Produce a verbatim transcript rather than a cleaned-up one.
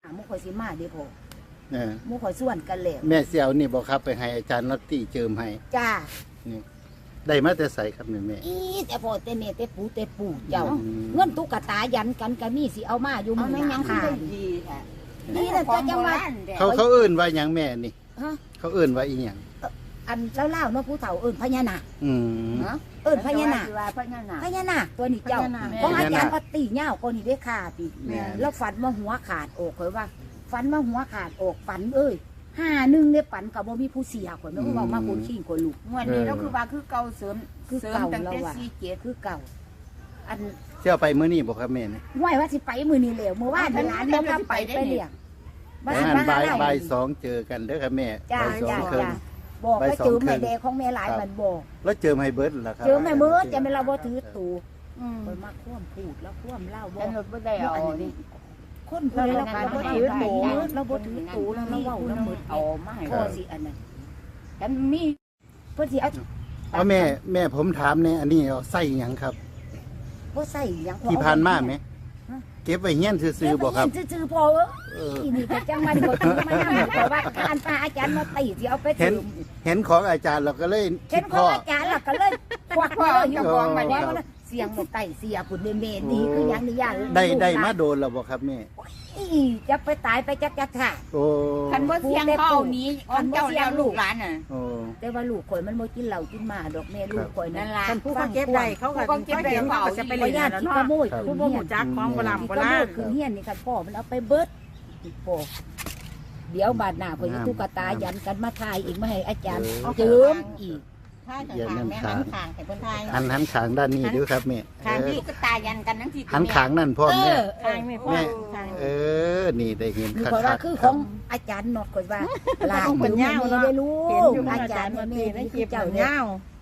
มุขอยสิมาเด้อพ่อเออมุขอยส่วนกันแล้วแม่เสี่ยวนี่บ่ครับไปให้อาจารย์นัตตี้เจิมให้จ้านี่ได้มาแต่ใส่ครับแม่แม่อีแต่พ่อแต่แม่แต่ปู่แต่ปู่เจ้าอืมเงินตุ๊กตายันกันก็มีสิเอามาอยู่เอามื้อนั่นหยังค่ะคือดีแท้นี่แหละก็จังว่าเขาเขาเอิ้นว่าหยังแม่นี่ฮะเขาเอิ้นว่าอีหยังอันเล่าๆเนาะผู้เฒ่าเอิ้นพญานาคอืมเนาะเอิ้นพญานาคว่าพญานาคพญานาคตัวนี้เจ้าพญานาคของอาจารย์ก็ตีเหย้าคนนี้ได้ขาติแม่แล้วฝันว่าหัวขาดอกข่อยว่าฝันว่าหัวขาดอกฝันเอ้ยห้าหนึ่งได้ฝันกับบ่มีผู้เสียข่อยไม่รู้ว่ามาคนขี้คนลูกงวดนี้เราคือว่าคือเก่าเสริมคือเสริมเก่าตั้งแล้วแต่ว่ะสี่เจ็ดคือเก่า อันเสี่ยวไปมื้อนี้บ่ครับแม่นี่ไหวว่าสิไปมือนี้แล้วเมื่อวานหลานบ่กลับไปไปเลี้ยงบ่หันบ่ายบ่ายสองเจอกันเด้อครับแม่จ้าบ่ายสองจ้าครึ่งจ้าบอกบ่ายว่าสองเจอครึ่แม่งแดงของแม่หลายมันบอกแล้วเจิมให้เบิดล่ะครับเจอแม่เบิดจะไม่เราบ่ถือตูอืมข่อยมาคว่ำพูดแล้วคว่ำเล่าบ่แต่รถบ่ได้เอานี่คนผู้ใดเราก็บ่ถือตูเราบ่ถือตูเราเราเว้าเราหมดเอามาให้พ่อสิอันนั้นกันมีเพิ่นสิเอาเอาแม่แม่ผมถามแน่อันนี้เอาใส่หยังครับบ่ใส่หยังที่ผ่านมาไหมเก็บไว้เฮียนซื่อๆบ่ครับเก็ไว้ซื่อๆพอเอ้ยเออนี่ก็จังมาบ่ถือมานั่งแต่ว่าการพาอาจารย์มาตีสิเอาไปเห็นถือเห็นของอาจารย์เราก็เลยเห็คินดขพ่องออาจารย์ล่ะก็เลยควักเลยอยู่กองมาเนี่ยเสียงมันไต่เสียพุ่นเมๆดีคือหยังนี่ย่านได้ได้มาโดนแล้วบ่ครับแม่อีจะไปตายไปจักจักค่ะโอ้คันบ่เสียงเข้านี้อ่อนเจ้าแล้วลูกหลานน่ะโอ้แต่ว่าลูกข่อยมันบ่กินเหล้ากินหมาดอกแม่ลูกข่อยนั่นั่นนล่ะท่านผู้ผู้ฟัเขางเก็บได้เขาก็ผู้เขาเก็บได้เขาก็จะไปไปเล่นญาติแล้วที่เนาะขโมยผู้คืนบ่เฮียหูนจักของโบราณที่โบขโมราย ณคืนเฮียนนี่กันพ่อมันเอาไปเบิดพ่อเดี๋ยวบาดหน้าข่อยจะตุ๊กตายันกันมาทายอีกมาให้อาจารย์เจิมอีกถ้าจะทางแม่หันข้างให้เพิ่นทายหันหันขางด้านนี้ดูครับแม่ข้างเอที่อก็ตายันกันทั้งที่หันขางนั่นพ่อเอแม่อข้างไม่พอแม่ข้างเออ นี่ได้เห็นนี่คักข่อยว่าๆคือคขรัอบ งอาจารย์นอดข่อยว่าหลานต้องเป็นแม่ยาวไม่เนาะได้รู้เห็นอยู่อาอาจาจาร รย์ย์แม่มาแม่ตีในนี่คคืลิอปเจ้าเจ้าเนี่ยยาว